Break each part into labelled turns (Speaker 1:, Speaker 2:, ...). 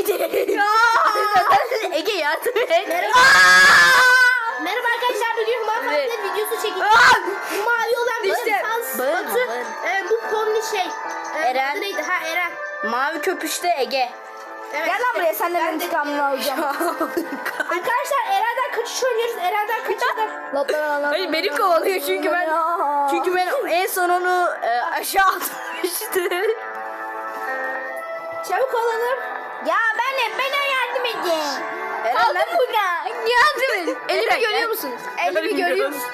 Speaker 1: Ege yardım et.
Speaker 2: Merhaba arkadaşlar, bugün Human
Speaker 1: Evet.
Speaker 2: Fark'ta videosu çekiyoruz. Bu mavi olan
Speaker 1: İşte,
Speaker 2: Batu. Bu Pomni
Speaker 1: Eren.
Speaker 2: adı neydi? Ha, Eren.
Speaker 1: Mavi köpüşte Ege.
Speaker 2: Evet,
Speaker 3: Gel lan buraya, senden
Speaker 2: ben de-
Speaker 3: intikamını alacağım.
Speaker 2: Arkadaşlar Eren'den kaçış oynuyoruz. Eren'den kaçırdım.
Speaker 1: Hayır beni kovalıyor çünkü ben en son onu aşağı atmıştım.
Speaker 2: Çabuk olalım.
Speaker 3: Ya bana yardım edin.
Speaker 1: Eren ben
Speaker 3: burada.
Speaker 1: yardım et.
Speaker 3: Elimi görüyor musunuz? Elimi görüyor musunuz?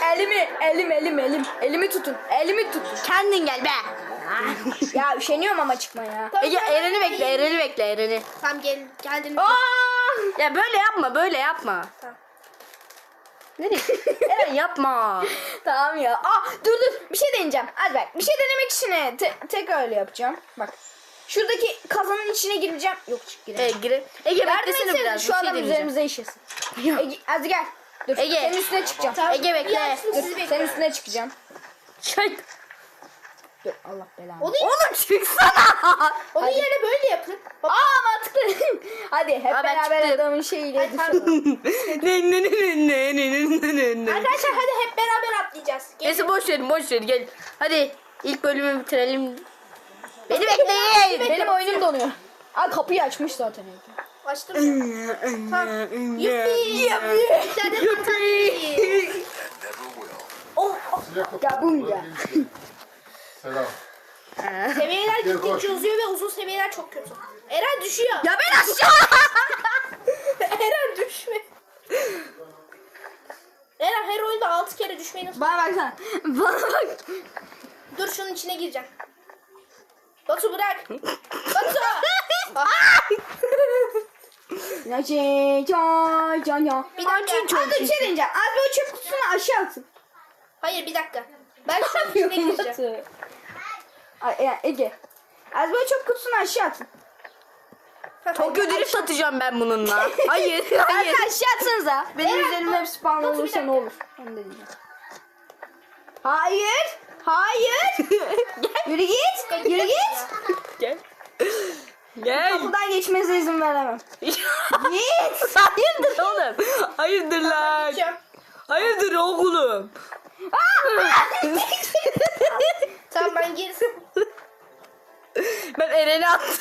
Speaker 3: Elimi tutun. Elimi tutun.
Speaker 1: Kendin gel be.
Speaker 3: Ya üşeniyorum ama çıkmaya.
Speaker 1: Ege Eren'i bekle, Eren'i.
Speaker 2: Tamam geldin.
Speaker 1: Ya böyle yapma.
Speaker 2: Tamam.
Speaker 1: Nereye? Eren yapma.
Speaker 3: Tamam ya. Dur bir şey deneyeceğim. Hadi bak, bir şey denemek için tekrar öyle yapacağım. Bak. Şuradaki kazanın içine gireceğim. Yok gireceğim.
Speaker 1: Ege Ege
Speaker 3: Yardım
Speaker 1: beklesene
Speaker 3: etsene,
Speaker 1: biraz.
Speaker 3: şu
Speaker 1: bir şey
Speaker 3: adam
Speaker 1: deneyeceğim.
Speaker 3: üzerimize işesin. Ege, hadi gel. Dur.
Speaker 1: Ege.
Speaker 3: Senin üstüne çıkacağım.
Speaker 2: Tamam.
Speaker 1: Ege bekle.
Speaker 2: Ya,
Speaker 3: Dur,
Speaker 2: sizi
Speaker 3: senin
Speaker 2: bekliyorum.
Speaker 3: üstüne çıkacağım.
Speaker 1: Çek.
Speaker 3: Dur, Allah belanı.
Speaker 1: Oğlum çıksana.
Speaker 2: Onun yerine böyle yapın. Hop.
Speaker 3: Mantıklı. Hadi hep
Speaker 1: ben
Speaker 3: beraber
Speaker 1: çıktım.
Speaker 3: adamın şeyiyle.
Speaker 2: Ay, tamam. Arkadaşlar hadi hep beraber atlayacağız. Gelin.
Speaker 1: Neyse boş verin gel. Hadi ilk bölümü bitirelim. Beni bekleyin.
Speaker 3: Benim oyunum donuyor. Kapıyı açmış zaten.
Speaker 2: Açtım ya. Tamam. Yuppi. Bir tane patlatayım.
Speaker 3: Ya bum ya.
Speaker 4: Selam.
Speaker 2: Seviyeler gittikçe uzuyor ve uzun seviyeler çok kötü. Eren düşüyor.
Speaker 1: Ya ben aşağı.
Speaker 2: Eren düşme. Eren her oyunda 6 kere düşmeyi nasıl...
Speaker 3: Bana baksana. Bana bak.
Speaker 2: Dur şunun içine gireceğim. Batu bırak. Batu.
Speaker 3: Ya ya.
Speaker 2: Bir dakika.
Speaker 3: Hadi bir şey deneyeceğim. Abi o çöp kutusunu aşağı atın.
Speaker 2: Hayır bir dakika. Ben şunun içine gireceğim.
Speaker 3: Ege. Az böyle çöp kutusunu aşağı atın.
Speaker 1: Tokyo drift atacağım ben bununla. Hayır.
Speaker 3: Hadi aşağı atsanıza. Benim
Speaker 2: Evet,
Speaker 3: üzerime hep spawn
Speaker 2: Batu, bir
Speaker 3: olursa ne
Speaker 2: dakika.
Speaker 3: olur? Onu da diyeceğim. Hayır. Yürü git. Yürü git.
Speaker 1: Gel. Gel.
Speaker 3: Kapıdan geçmenize izin veremem. Git.
Speaker 1: Hayırdır oğlum? Hayırdır lan?
Speaker 2: Geçiyorum.
Speaker 1: Hayırdır oğlum?
Speaker 2: Tamam ben girsin.
Speaker 1: Ben Eren'i attım.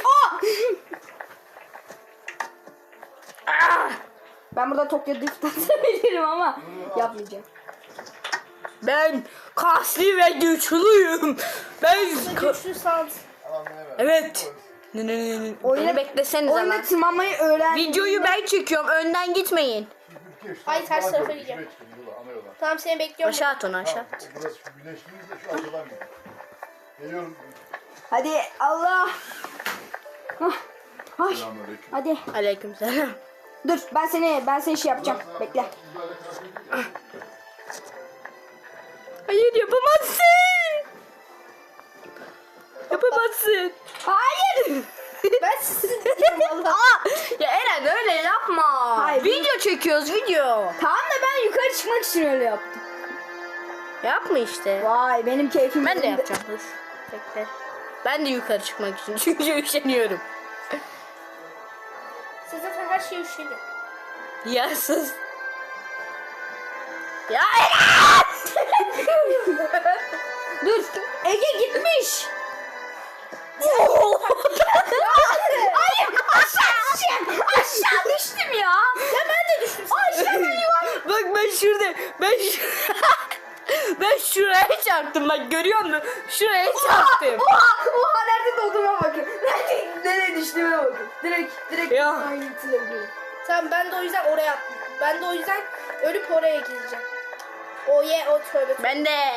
Speaker 3: Ben burada Tokyo Drift atabilirim ama yapmayacağım.
Speaker 1: Ben kaslı ve güçlüyüm. Ben
Speaker 2: Güçlü sağlık.
Speaker 1: evet. Beni bekleseniz ama.
Speaker 3: Oyuna tırmanmayı öğren.
Speaker 1: Videoyu ben çekiyorum. Önden gitmeyin.
Speaker 2: Ay, ters tarafa gideceğim. Tamam seni bekliyorum.
Speaker 1: Aşağı at onu aşağı.
Speaker 4: Burası şu güneşliyiz de şu arkadan gidiyor. Geliyorum.
Speaker 3: Hadi Allah. Ay.
Speaker 4: Selamünaleyküm.
Speaker 3: Hadi.
Speaker 1: Aleykümselam.
Speaker 3: Dur ben seni şey yapacağım. Bekle.
Speaker 1: Hayır yapamazsın. Yapamazsın.
Speaker 3: Hayır.
Speaker 2: Ben sizi valla.
Speaker 1: Ya Eren öyle yapma.
Speaker 3: Hayır.
Speaker 1: Video çekiyoruz video.
Speaker 3: Tamam da ben yukarı çıkmak için öyle yaptım.
Speaker 1: Yapma işte.
Speaker 3: Vay benim keyfim.
Speaker 1: Ben de
Speaker 3: yerinde.
Speaker 1: yapacağım. Dur. Bekle. Ben de yukarı çıkmak için çünkü üşeniyorum.
Speaker 2: Siz zaten her şeyi üşüdü.
Speaker 1: Yarsız. Ya Eren!
Speaker 3: Dur. Ege gitmiş. Hayır aşağı düştüm ya.
Speaker 2: Ya ben de düştüm.
Speaker 3: Aşağı yuvarlandım.
Speaker 1: Bak ben şuraya çarptım bak görüyor musun? Şuraya çarptım.
Speaker 3: Oha nerede doğduğuma bakın. Nereye düştüğüme bakın. Direkt
Speaker 1: Ya.
Speaker 3: aynı yitirebilirim.
Speaker 2: Tamam ben de o yüzden oraya attım. Ben de o yüzden ölüp oraya gideceğim. O tövbe.
Speaker 1: Ben de.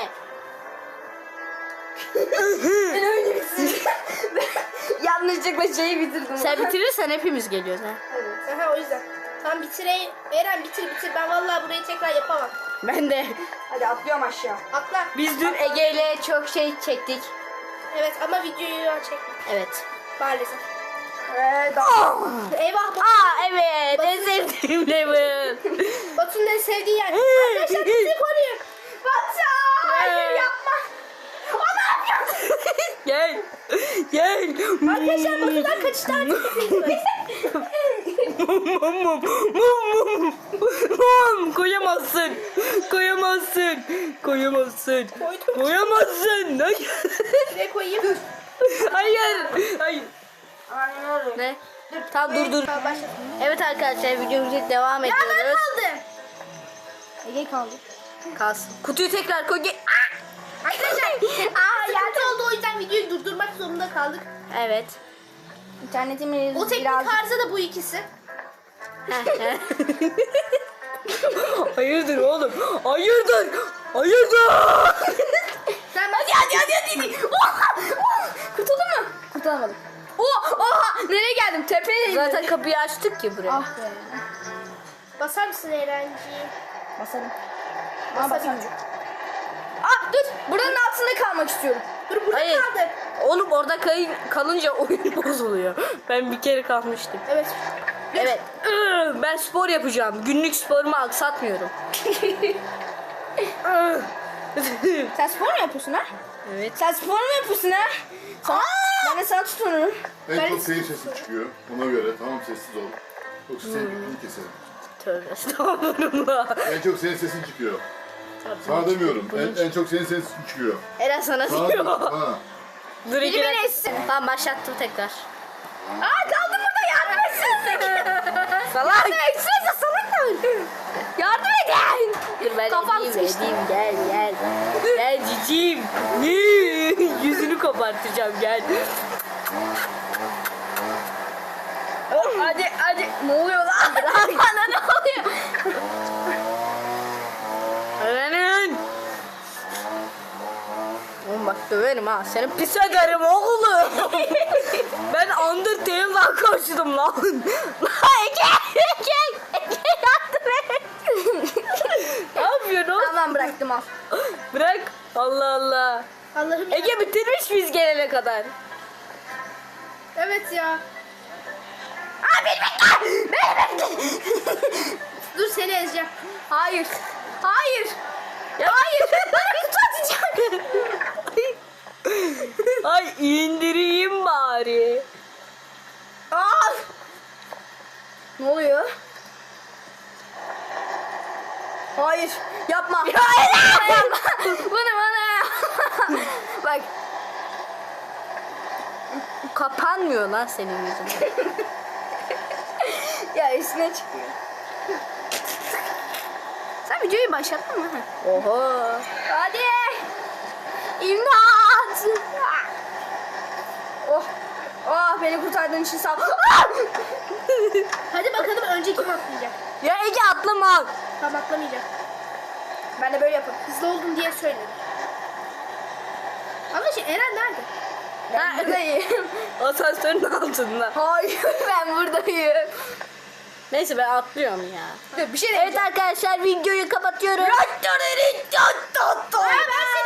Speaker 3: Ben öyle bitirdim. Yanlışlıkla şeyi bitirdim.
Speaker 1: Sen bitirirsen hepimiz geliyoruz ha.
Speaker 2: Aha o yüzden. Tamam bitireyim. Eren bitir. Ben vallahi burayı tekrar yapamam.
Speaker 1: Ben de.
Speaker 3: Hadi atlıyorum aşağı.
Speaker 2: Atla.
Speaker 1: Biz dün Ege ile çok şey çektik.
Speaker 2: Evet ama videoyu çektim.
Speaker 1: Evet.
Speaker 2: Maalesef.
Speaker 3: Daha.
Speaker 2: Eyvah.
Speaker 1: Evet en sevdiğim level.
Speaker 2: Batu'nun en sevdiği yer. Arkadaşlar bizi koruyun.
Speaker 3: Batu! Hayır yapma. O ne yapıyorsun?
Speaker 1: Gel. Gel.
Speaker 2: Arkadaşlar Batu'dan kaçışta artık hepiniz.
Speaker 1: Koyamazsın. Koyamazsın. Koyamazsın.
Speaker 2: Koydum.
Speaker 1: Koyamazsın.
Speaker 2: Şuraya koyayım.
Speaker 1: Hayır. Hayır. Ne? Tamam dur.
Speaker 2: Tamam, başla.
Speaker 1: Evet arkadaşlar videomuza devam
Speaker 2: Ya ben
Speaker 1: ediyoruz.
Speaker 2: kaldım.
Speaker 3: Ege kaldı.
Speaker 1: Kalsın. Kutuyu tekrar koy.
Speaker 2: Arkadaşlar sıkıntı oldu, o yüzden videoyu durdurmak zorunda kaldık.
Speaker 1: Evet.
Speaker 3: İnternetimiz
Speaker 2: O teknik
Speaker 3: biraz...
Speaker 2: arıza da bu ikisi.
Speaker 1: Hayırdır oğlum? Hayırdır? Hayırdır?
Speaker 2: Sen
Speaker 3: Hadi. Kurtuldun mu? Kurtulamadım. Oha! Nereye geldim? Tepeye
Speaker 1: Zaten kapıyı açtık ki buraya.
Speaker 3: Ah be.
Speaker 2: basar mısın Eren'ciğim?
Speaker 3: Basarım.
Speaker 2: Basarım.
Speaker 3: Basamayacağım. Dur. Buranın altında kalmak istiyorum.
Speaker 2: Dur burada
Speaker 1: Hayır.
Speaker 2: kaldı.
Speaker 1: Oğlum orada kalınca oyun bozuluyor. Ben bir kere kalmıştım.
Speaker 2: Evet.
Speaker 1: Evet. Ben spor yapacağım. Günlük sporumu aksatmıyorum.
Speaker 3: Sen spor mu yapıyorsun ha?
Speaker 1: Evet.
Speaker 3: Sen spor mu yapıyorsun ha? Ben de sana tutunurum.
Speaker 4: En çok senin sesin çıkıyor. Ona göre tamam sessiz ol. Yoksa senin ipini keserim.
Speaker 1: Tövbe estağfurullah.
Speaker 4: En çok senin sesin çıkıyor. Sana demiyorum. En çok senin sesin çıkıyor.
Speaker 1: Eren sana
Speaker 4: Sana
Speaker 1: diyor.
Speaker 4: diyorum. Ha.
Speaker 1: Dur iki
Speaker 3: beni
Speaker 1: dakika.
Speaker 3: etsin.
Speaker 1: Tamam başlattım tekrar.
Speaker 3: Kaldım burada, yardım etsene.
Speaker 1: Salak.
Speaker 3: Yardım etsene, salak. Yardım edin.
Speaker 1: Dur ben
Speaker 3: Kafam
Speaker 1: edeyim
Speaker 3: sıkıştı.
Speaker 1: gel. Gel cicim. Yüzünü kopartacağım gel.
Speaker 3: Hadi. Ne oluyor lan? Bana ne oluyor?
Speaker 1: Eren'in. Oğlum bak döverim ha. Seni pis ederim oğlum. Ben Undertale'dan koştum lan. Ege yardım et. Ne yapıyorsun oğlum?
Speaker 3: Tamam, bıraktım al.
Speaker 1: Bırak. Allah Allah.
Speaker 2: Allah'ım ya.
Speaker 1: Ege bitirmiş biz gelene kadar.
Speaker 2: Evet ya.
Speaker 3: Beni bekle.
Speaker 2: Dur seni ezeceğim.
Speaker 3: Hayır. Hayır. Bana kutu atacak.
Speaker 1: Ay indireyim bari.
Speaker 3: Al. Ne oluyor? Hayır. Yapma. Hayır. Yapma. Bunu bana. Bak.
Speaker 1: Kapanmıyor lan senin yüzünden.
Speaker 3: Ya üstüne çıkıyor. Sen videoyu başlattın mı?
Speaker 1: Oho.
Speaker 3: Hadi. İmdat. Oh, beni kurtardığın için sağ ol.
Speaker 2: Hadi bakalım önce kim atlayacak.
Speaker 1: Ya Ege atlama.
Speaker 2: Tamam, atlamayacak.
Speaker 3: Ben de böyle yaparım.
Speaker 2: Hızlı oldun diye söyledim. Arkadaşlar Eren nerede?
Speaker 3: Ben buradayım.
Speaker 1: Asansörün altında.
Speaker 3: Hayır, ben buradayım.
Speaker 1: Neyse ben atlıyorum ya.
Speaker 3: Dur, bir şey
Speaker 1: Evet arkadaşlar videoyu kapatıyorum.
Speaker 3: Ben